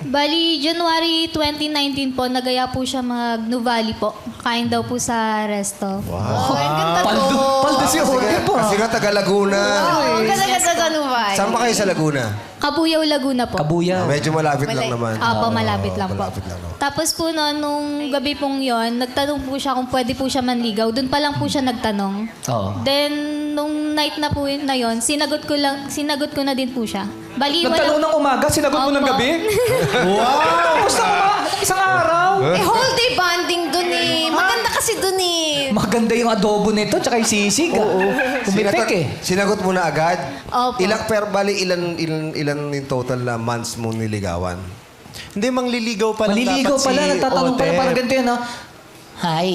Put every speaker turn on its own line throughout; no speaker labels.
Bali, January 2019 po, nagaya po siya mag-Nuvali po. Kain daw po sa resto.
Wow. Ang ganda to.
Paldo si Ote po.
Kasi nga taga Laguna.
Ang ganda-ganda sa Nuvali.
Saan ba kayo sa Laguna?
Kabuyaw, Laguna po.
Kabuya.
Medyo malapit lang naman.
Opo, malapit lang po.
Malapit lang naman.
Tapos po no, nung gabi pong yon, nagtanong po siya kung pwede po siya manligaw. Doon pa lang po siya nagtanong.
Oo.
Then, nung night na po na yon, sinagot ko na din po siya. Bali,
Nagtanong ng umaga, sinagot mo ng
Opo.
gabi? Wow! Gusto mo ba? Isang araw?
Whole day bonding dun eh. Maganda kasi dun eh.
Maganda yung adobo nito, tsaka yung sisig. Oo. Pumipik eh.
Sinagot mo na agad?
Opo.
Ilan yung total na months mo niligawan?
Hindi, mangliligaw pa lang
Maliligaw
dapat
pala,
si
nagtatanong pala,
Ote.
parang ganito yun, no? Hi.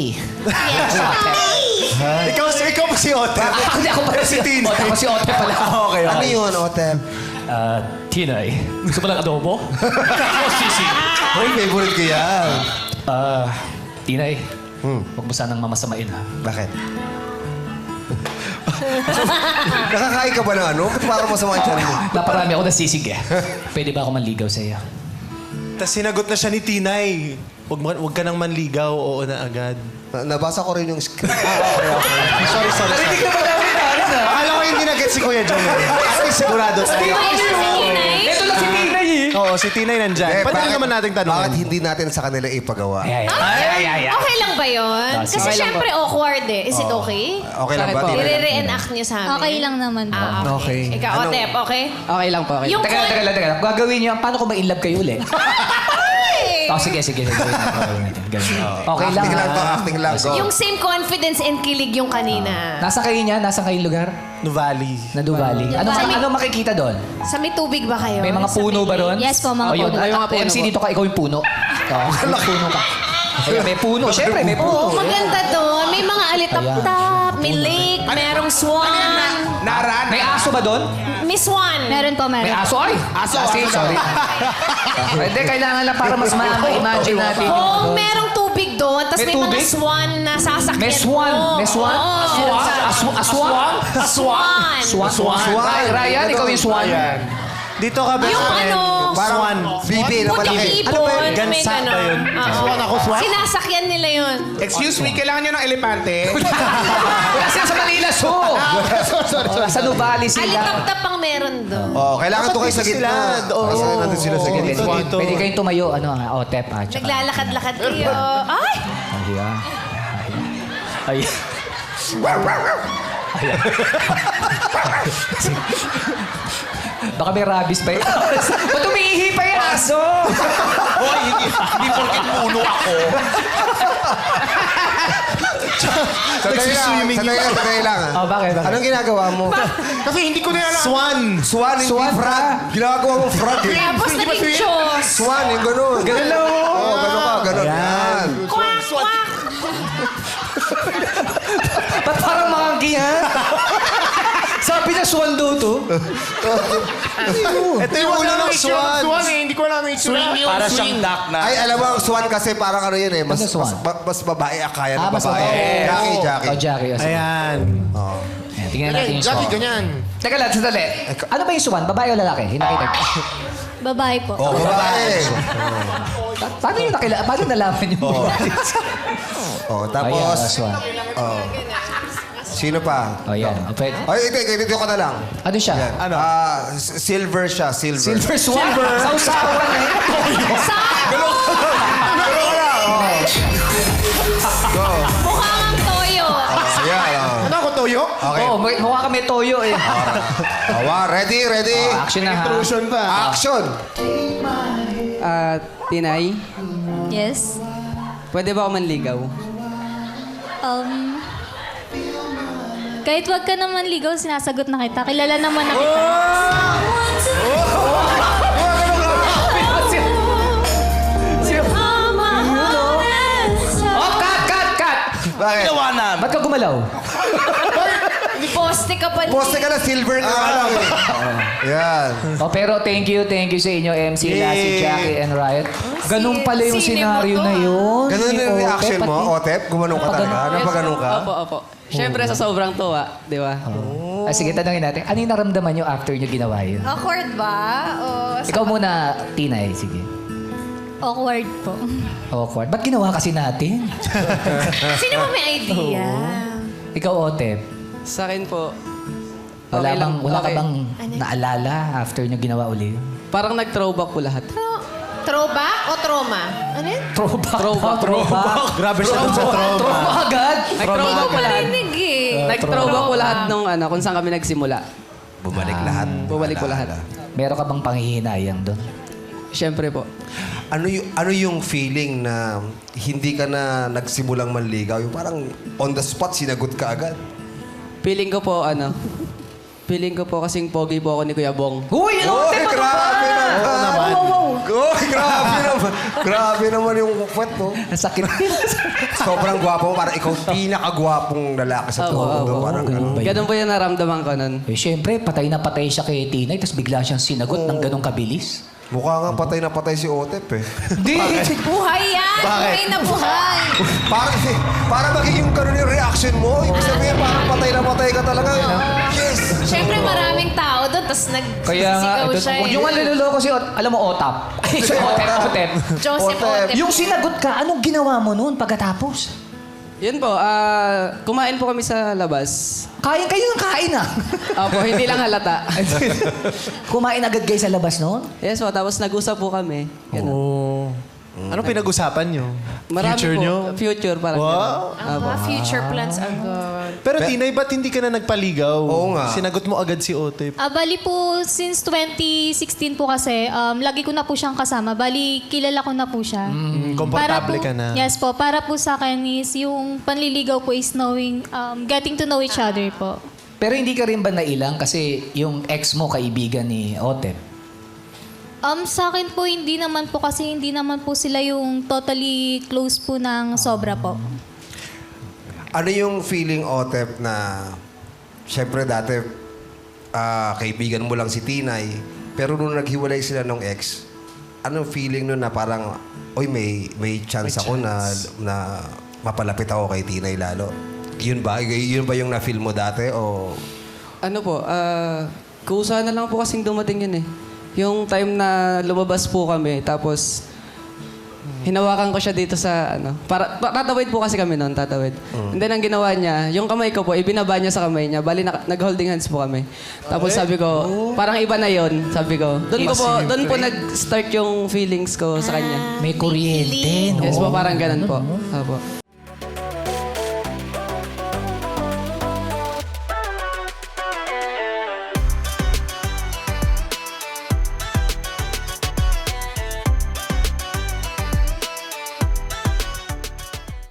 Ikaw pa si Ote.
Ako pala si Tina. Ako si Ote pala.
Okay,
Ano yun, Otem?
Tinay, gusto mo lang adobo? O sisig?
Hoy, favorite ko yan.
Tinay, huwag mo sanang mamasamain ha.
Bakit? Nakakain ka ba ng ano? Ba't parang masama yung tiyan mo?
Naparami ako ng sisig eh. Pwede ba ako manligaw sa iyo?
Tapos sinagot na siya ni Tinay. Huwag ka nang manligaw, oo na agad.
Nabasa ko rin yung script.
Sorry.
Narinig na ba namin namin, ha?
Akala ko hindi na-get si Kuya John. At least sigurado tayo.
Ito lang si Tinay eh.
Oo, si Tinay nandyan. Pwede lang naman natin
Bakit
tanongin.
hindi natin sa kanila ipagawa?
Ay.
Okay lang ba yun?
Ah,
Kasi
sige.
syempre awkward eh. Is it okay?
Okay lang ba?
I-re-reenact niyo sa amin.
Okay lang naman po.
Okay.
Ikaw, Otep, okay?
Okay lang po, okay.
Yung
Teka lang. Gagawin niyo, paano kung ma-inlove kayo ulit? Oh, sige. Gawin natin. Ganun. Okay lang,
Acting lang to,
ha?
acting lang. Go.
Yung same confidence and kilig yung kanina.
Nasa kayo niya? Nasa kayong lugar?
Nuvali.
Na Duvali. Ano makikita doon?
Sa may tubig ba kayo?
May mga
Sa
puno ba doon?
Yes po, mga
Oh, yun.
puno.
Ay, mga puno
MC
po.
dito ka, ikaw yung puno. Oo, may puno ka. Ayun, may puno. Siyempre, may puno.
Oo, maganda doon. May mga alitap-tap, may lake, merong swan.
May aso ba doon?
May swan.
Meron po,
May
meron.
aso? Ay! Sorry. Hindi, kailangan lang para mas ma-imagine natin yung
Oo,
ano.
merong tubig doon. Tapos
May
may mga
tubig?
swan na sasakyan
May swan.
mo.
May swan?
Oo.
Aswang?
Swan.
Ryan, ikaw yung swan.
Dito ka, best
Yung
friend.
ano,
Parang
Swan.
bibi na malaki.
Puting
Ano ba yun?
ibon. May
Gansa ba
ganon.
yun?
Oo.
Swan ako, swan?
Sinasakyan nila yun.
Excuse me, kailangan nyo ng elepante?
Wala sila sa Manila Zoo. Sa Nuvali sila.
Alitap-tap ang meron doon.
Oh, kailangan to kayo sa
Dito
gitna.
sila. Oo.
Kasi nandun sila sa gitna.
Dito.
Pwede kayong tumayo, Otep. Tsaka.
Naglalakad-lakad kayo. Ay!
Ay.
Baka may rabies pa yun. Ba't umiihi pa yung aso?
Hoy, hindi porket puno ako.
Sandali lang.
Oh, bakit?
Anong ginagawa mo?
Kasi hindi ko na alam.
Swan.
Swan, hindi frog. Ginagawa mo frog eh.
Tapos naging Diyos.
Swan, yung ganun.
Ganun lang.
Oo, ganun ka, ganun. Yan.
Kwak, kwak.
Ba't parang monkey, ha? Sabi niya swan daw to.
Ito yung ulo ng swan.
Swan eh, hindi ko alam yung itsura.
Para siyang duck na.
Ay, alam mo, ang swan kasi parang ano yun eh. Mas,
Ano swan?
mas babae akaya ng
Mas
babae.
babae.
Jackie.
Oh, Jackie. Oh, sige.
Ayan.
Ayan, tingnan natin yung swan.
Ganyan.
Teka lang, sandali. Ano ba yung swan? Babae o lalaki? Hinakita.
Babae po.
Oh, babae.
Paano yung paano nalaman yung babae?
Oh,
Ayan,
tapos,
swan.
sino pa?
O, yan. O, pwede.
Ay, ito ka na lang.
Ano siya?
Ano? Silver siya, silver.
Silver swan. Sausawan eh.
Mukha kang toyo.
Ayan,
Ano ako, Toyo?
Okay.
Oo, mukha kami toyo eh.
Ready?
Action na ha.
Intrusion pa.
Action!
Tinay,
Yes.
pwede ba ako manligaw?
Kahit wag ka naman ligaw, sinasagot na kita. Kilala naman na kita.
Oh, cut!
Bakit?
Ba't ka gumalaw?
Poste ka pa.
Poste ka na, silver ka lang eh. Yan.
Oh, pero thank you sa inyo, MC, Lassie, Jackie, and Riot. Ganun pala yung
sine mo
senaryo
to,
na yun.
Ganun
Ni
yung
Otep,
reaction mo,
pati-
Otep? Gumanong ka talaga? Napaganon ka?
Opo. Siyempre sa sobrang tuwa, di ba?
Ah, sige, tanongin natin. Ano yung naramdaman nyo after nyo ginawa yun?
Awkward ba? O,
Ikaw muna, Tinay. Sige.
Awkward po.
Awkward. Ba't ginawa kasi natin?
Sino ba may idea?
Ikaw, Otep.
Sa akin po,
Wala,
okay lang.
wala ka
Okay.
bang naalala after nyo ginawa uli?
Parang nag-throwback po lahat.
Throwback o trauma? Ano yun?
Throwback.
Grabe siya dun sa trauma.
Trauma agad.
Nag-throwback po lahat.
Narinig eh.
Nag-throwback po lahat nung kung saan kami nagsimula.
Bumalik lahat.
Bumalik po lahat.
Meron ka bang panghihinayang doon?
Siyempre po.
Ano yung feeling na hindi ka na nagsimulang manligaw? Yung parang on the spot, sinagot ka agad.
Feeling ko po, kasing pogi po ako ni Kuya Bong.
Uy! Ano?
Oy, grabe naman! Oy, grabe naman! Grabe naman yung kwet, no?
Sakit.
Sobrang gwapo mo. Parang ikaw pinakagwapong lalaki sa mundo. Parang ganun.
Ganun po yung naramdaman ko nun.
Eh, syempre, patay na patay siya kay Tinay, tapos bigla siyang sinagot ng ganong kabilis.
Mukha nga patay na patay si Otep, eh.
Hindi!
Buhay yan! Buhay na buhay!
Para magiging ganun yung reaction mo. Ibig sabihin, parang patay na patay ka talaga. Yes!
Siyempre maraming tao doon, tapos
Kaya nga,
nagsisigaw
ito,
siya eh.
yung naluloko si alam mo, Otap. Ay, si Otep.
Joseph
Otep.
Otep.
Yung sinagot ka, anong ginawa mo noon pagkatapos?
Yun po, kumain po kami sa labas.
Kain kayo ng kain ah.
Opo, hindi lang halata.
Kumain agad kayo sa labas noon?
Yes po, tapos nag-usap po kami. Ganun.
Oh. Anong pinag-usapan nyo?
Marami
Future
po.
nyo?
Future, parang
Wow.
ganun. Opo.
Future plans agad.
Pero Tinay, ba't hindi ka na nagpaligaw?
Oo nga.
Sinagot mo agad si Otep.
Bali po, since 2016 po kasi, lagi ko na po siyang kasama. Bali, kilala ko na po siya.
Komportable
Para po-
ka na.
Yes po. Para po sa akin is yung panliligaw po is knowing, getting to know each other po.
Pero hindi ka rin ba nailang kasi yung ex mo kaibigan ni Otep?
Sa akin po, hindi naman po kasi hindi naman po sila yung totally close po ng sobra po.
Ano yung feeling, Otep, na... Siyempre, dati, kaibigan mo lang si Tinay. Pero nung naghiwalay sila nung ex, anong feeling nun na parang, oy, may chance ako na mapalapit ako kay Tinay lalo? Yun ba? Yun ba yung na-feel mo dati? O...
Ano po, kusa na lang po kasing dumating yun eh. Yung time na lumabas po kami, tapos hinawakan ko siya dito sa tatawid po kasi kami noon, tatawid. And then ang ginawa niya, yung kamay ko po, ibinaba niya sa kamay niya. Bali, nag-holding hands po kami. Tapos sabi ko, parang iba na yon, sabi ko. Doon po nag-start yung feelings ko sa kanya.
May kuryente, no?
Yes po, parang ganun po. Opo.